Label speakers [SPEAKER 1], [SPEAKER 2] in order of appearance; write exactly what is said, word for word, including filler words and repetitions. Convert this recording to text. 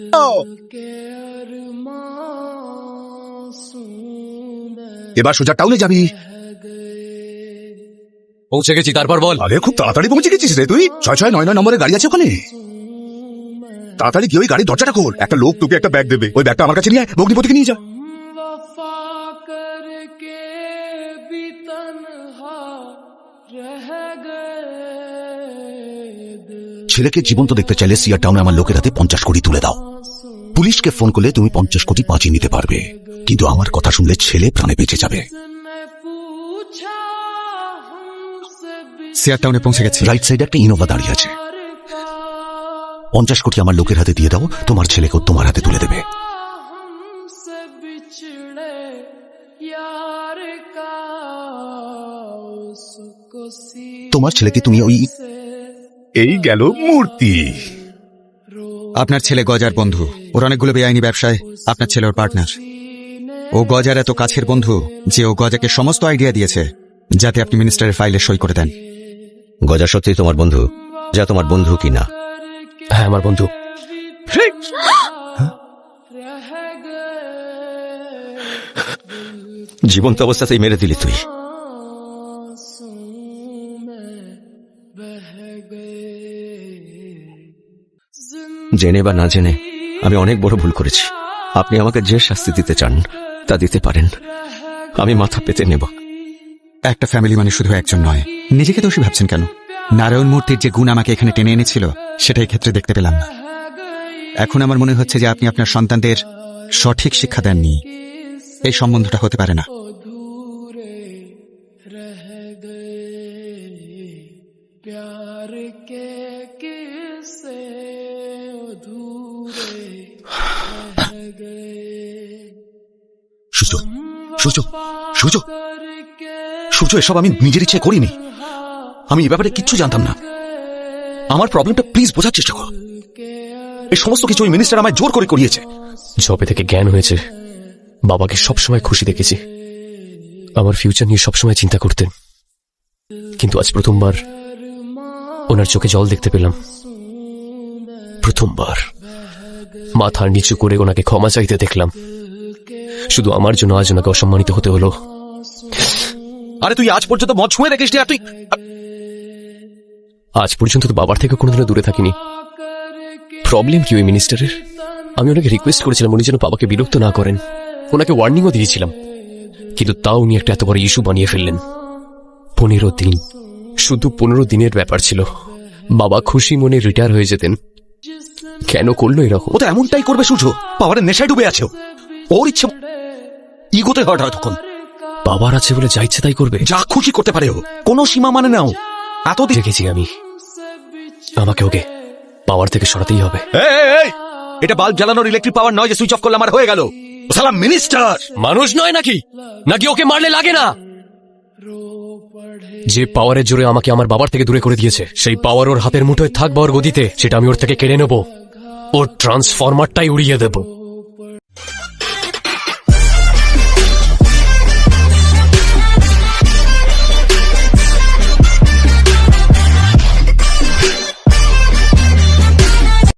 [SPEAKER 1] এবার সোজা টাউনে যাবি।
[SPEAKER 2] পৌঁছে গেছি, তারপর বল।
[SPEAKER 1] আরে খুব তাড়াতাড়ি পৌঁছে গেছিস রে তুই। ছয় ছয় নয় নয় নম্বরের গাড়ি আছে ওখানে। তাড়াতাড়ি গিয়ে ওই গাড়ির দরজাটা খোল। একটা লোক তোকে একটা ব্যাগ দেবে, ওই ব্যাগটা আমার কাছে নিয়ে আয়, ভগ্নিপতিকে নিয়ে যা। ছেলেকে জীবন্ত দেখতে চাইলে সিয়া টাউনে আমার লোকের হাতে পঞ্চাশ কোটি তুলে দাও। পুলিশকে ফোন করলে তুমি পঞ্চাশ কোটি বাঁচিয়ে নিতে পারবে, কিন্তু আমার কথা শুনলে ছেলে প্রাণে বেঁচে যাবে।
[SPEAKER 3] সিয়া টাউনে পৌঁছে গেছি।
[SPEAKER 1] রাইট সাইডে একটা ইনোভা দাঁড়িয়ে আছে। পঞ্চাশ কোটি আমার লোকের হাতে দিয়ে দাও, তোমার ছেলেকেও তোমার হাতে তুলে দেবে। তোমার ছেলেকে তুমি ওই এই গেল মূর্তি।
[SPEAKER 3] আপনার ছেলে গজার বন্ধু, ওর অনেকগুলো বেআইনি ব্যবসায় আপনার ছেলে ওর পার্টনার। ও গজার এত কাছের বন্ধু যে ও গজাকে সমস্ত আইডিয়া দিয়েছে যাতে আপনি মিনিস্টারের ফাইলে সই করে দেন।
[SPEAKER 4] গজা সত্যি তোমার বন্ধু? যা তোমার বন্ধু কি না?
[SPEAKER 2] হ্যাঁ, আমার বন্ধু।
[SPEAKER 4] জীবন্ত অবস্থাতেই মেরে দিলি তুই। জেনে বা না জেনে আমি অনেক বড় ভুল করেছি। আপনি আমাকে যে শাস্তি দিতে চান তা দিতে পারেন, আমি মাথা পেতে নেব।
[SPEAKER 3] একটা ফ্যামিলি মানে শুধু একজন নয়। নিজেকে দোষী ভাবছেন কেন? নারায়ণ মূর্তির যে গুণ আমাকে এখানে টেনে এনেছিল সেটা এই ক্ষেত্রে দেখতে পেলাম না। এখন আমার মনে হচ্ছে যে আপনি আপনার সন্তানদের সঠিক শিক্ষা দেননি। এই সম্বন্ধটা হতে পারে না।
[SPEAKER 1] সূর্য, সূর্য, সূর্য, সূর্য, এসব আমি নিজের ইচ্ছে করিনি। আমি এ ব্যাপারে কিচ্ছু জানতাম না। আমার প্রবলেমটা প্লিজ বোঝার চেষ্টা করো। এই সমস্ত কিছু ওই মিনিস্টার আমায় জোর করে করিয়েছে।
[SPEAKER 2] যবে থেকে জ্ঞান হয়েছে বাবাকে সবসময় খুশি দেখেছি। আমার ফিউচার নিয়ে সবসময় চিন্তা করতেন, কিন্তু আজ প্রথমবার ওনার চোখে জল দেখতে পেলাম। প্রথমবার মাথা নিচু করে ওনাকে ক্ষমা চাইতে দেখলাম। শুধু আমার জন্য আজ ওনাকে অসম্মানিত হতে হলো।
[SPEAKER 1] আরে তুই আজ পর্যন্ত মদ ছুঁয়ে দেখিস নি। আর তুই
[SPEAKER 2] আজ পর্যন্ত তো বাবার থেকে কোনোদিনও দূরে থাকিনি। প্রবলেম কি ওই মিনিস্টারের? আমি ওনাকে রিকোয়েস্ট করেছিলাম উনি যেন বাবাকে বিরক্ত না করেন, ওনাকে ওয়ার্নিংও দিয়েছিলাম, কিন্তু তাও উনি একটা এত বড় ইস্যু বানিয়ে ফেললেন। পনেরো দিন, শুধু পনেরো দিনের ব্যাপার ছিল। বাবা খুশি মনে রিটায়ার হয়ে যেতেন। কেন করলো এরকম?
[SPEAKER 1] ও তো এমনটাই করবে সূর্য। পাওয়ারের নেশায় ডুবে আছে। ওর ইচ্ছে ইগোতে হট হয় তখন।
[SPEAKER 2] বাবার আছে বলে যা ইচ্ছে তাই করবে,
[SPEAKER 1] যা খুশি করতে পারে ও, কোনো সীমা মানে নাও। এত
[SPEAKER 2] দেখেছি আমি। আমাকে ওকে পাওয়ার থেকে সরাতেই হবে।
[SPEAKER 1] এটা বাল্ব জ্বালানোর ইলেকট্রিক পাওয়ার নয় যে সুইচ অফ করলে আমার হয়ে গেল। সালাম মিনিস্টার
[SPEAKER 2] মানুষ নয় নাকি? নাকি ওকে মারলে লাগে না? যে পাওয়ারের জোরে আমাকে আমার বাবার থেকে দূরে করে দিয়েছে, সেই পাওয়ার ওর হাতের মুঠোয় থাকবে ওর গদিতে, সেটা আমি ওর থেকে কেড়ে নেব। ওর ট্রান্সফরমারটাই উড়িয়ে দেব।